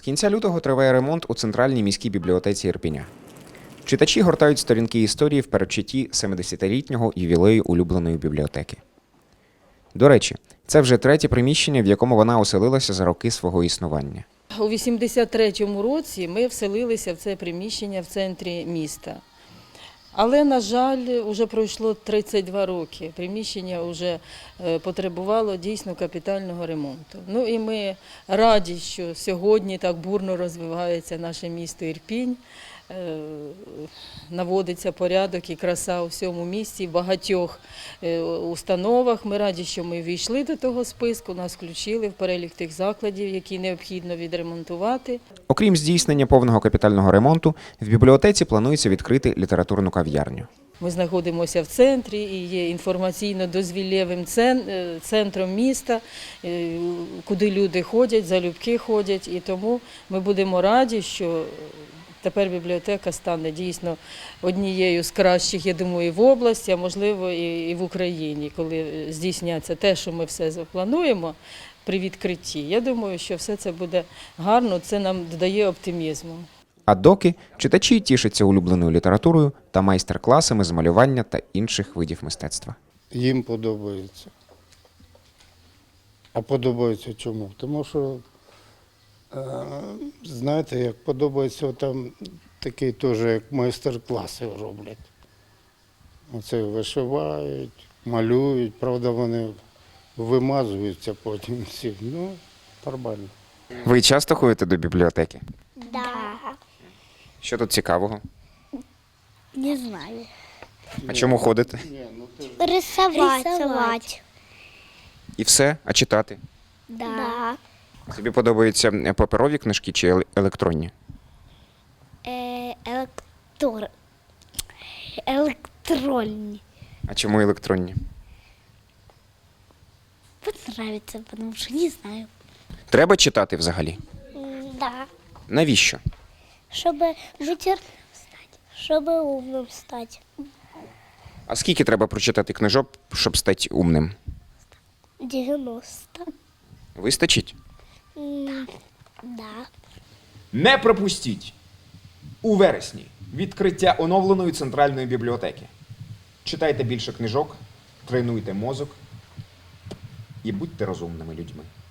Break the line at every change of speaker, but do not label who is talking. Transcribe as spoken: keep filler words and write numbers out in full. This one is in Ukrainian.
кінця лютого триває ремонт у Центральній міській бібліотеці Ірпеня. Читачі гортають сторінки історії в передчутті семидесятилітнього ювілею улюбленої бібліотеки. До речі, це вже третє приміщення, в якому вона оселилася за роки свого існування.
У вісімдесят третьому році ми вселилися в це приміщення в центрі міста. Але, на жаль, вже пройшло тридцять два роки. Приміщення вже потребувало дійсно капітального ремонту. Ну і ми раді, що сьогодні так бурно розвивається наше місто Ірпінь. Наводиться порядок і краса у всьому місті, в багатьох установах. Ми раді, що ми війшли до того списку, нас включили в перелік тих закладів, які необхідно відремонтувати.
Окрім здійснення повного капітального ремонту, в бібліотеці планується відкрити літературну кав'ярню.
Ми знаходимося в центрі і є інформаційно-дозвіллєвим центром міста, куди люди ходять, залюбки ходять. І тому ми будемо раді, що тепер бібліотека стане дійсно однією з кращих, я думаю, в області, а можливо і в Україні, коли здійсняться те, що ми все заплануємо при відкритті. Я думаю, що все це буде гарно, це нам додає оптимізму.
А доки читачі тішаться улюбленою літературою та майстер-класами з малювання та інших видів мистецтва.
Їм подобається. А подобається чому? Тому що, знаєте, як подобається, там такий теж, як майстер-класи роблять. Оце вишивають, малюють, правда, вони вимазуються потім всі. Ну, нормально.
Ви часто ходите до бібліотеки?
Да.
Що тут цікавого?
Не знаю.
А чому ходите?
Рисовать. Рисовать.
І все? А читати?
Да.
Тобі подобаються паперові книжки чи ел- електронні?
Е, електор... Електронні.
А чому електронні?
Понравится, потому что не знаю.
Треба читати взагалі?
Да.
Навіщо?
Чтобы быть стать. Чтобы умным стать.
А скільки треба прочитати книжок, щоб стати умним?
девяносто.
Вистачить?
М, Да.
Не пропустіть! У вересні відкриття оновленої центральної бібліотеки. Читайте більше книжок, тренуйте мозок і будьте розумними людьми.